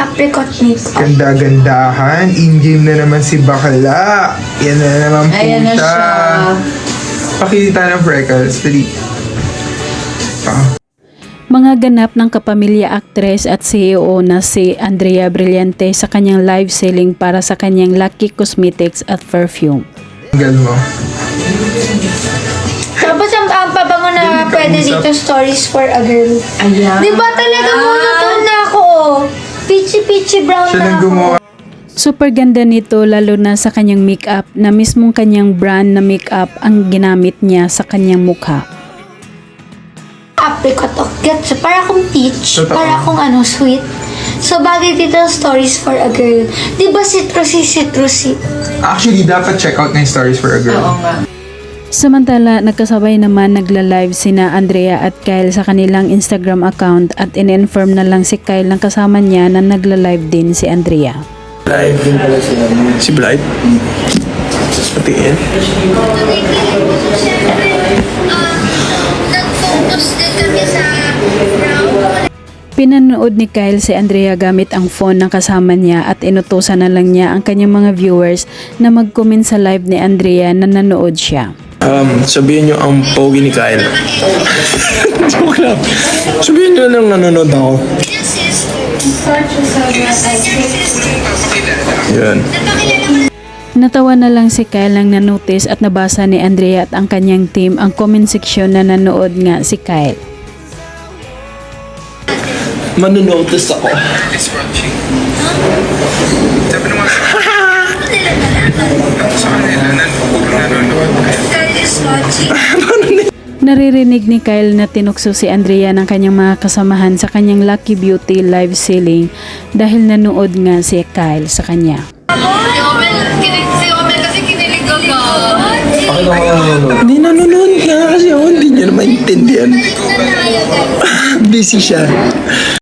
Apricot makeup. Ganda-gandahan. In-game na naman si Bakla. Yan na naman po Ayan na siya. Pakita ng freckles. Dali. Mga ganap ng kapamilya actress at CEO na si Andrea Brillante sa kanyang live selling para sa kanyang Lucky Cosmetics at perfume. Tanggal mo. Tapos ang pabango na pwede dito, stories for a girl. Ayan. Di ba talaga monotone na ako? Peachy brown Siya na nang ako. gumawa. Super ganda nito lalo na sa kanyang makeup na mismong kanyang brand na makeup ang ginamit niya sa kanyang mukha. Apricot o gets. Para akong peach. Totoo. Para akong sweet. So, bagay dito stories for a girl. Di ba citrusy? Actually, dapat check out na yung stories for a girl. Oo nga. Samantala, nagkasabay naman nagla-live sina Andrea at Kyle sa kanilang Instagram account at in-inform na lang si Kyle ng kasama niya na nagla-live din si Andrea. Live din pala sila. Si Blight? Patingin. Nag-focus din kami sa brown. Pinanood ni Kyle si Andrea gamit ang phone ng kasama niya at inutusan na lang niya ang kanyang mga viewers na mag-comment sa live ni Andrea na nanood siya. Sabihin nyo ang pogi ni Kyle. Joke lang. Sabihin nyo lang nanonood ako. Yan. Natawa na lang si Kyle nang nanotice at nabasa ni Andrea at ang kanyang team ang comment section na nanood nga si Kyle. Manonotice ako. Naririnig ni Kyle na tinukso si Andrea ng kanyang mga kasamahan sa kanyang Lucky Beauty live selling dahil nanood nga si Kyle sa kanya. Si Omel kasi kinilig ako. Hindi nanonood nga kasi ako. Hindi nyo na maintindihan. Busy siya.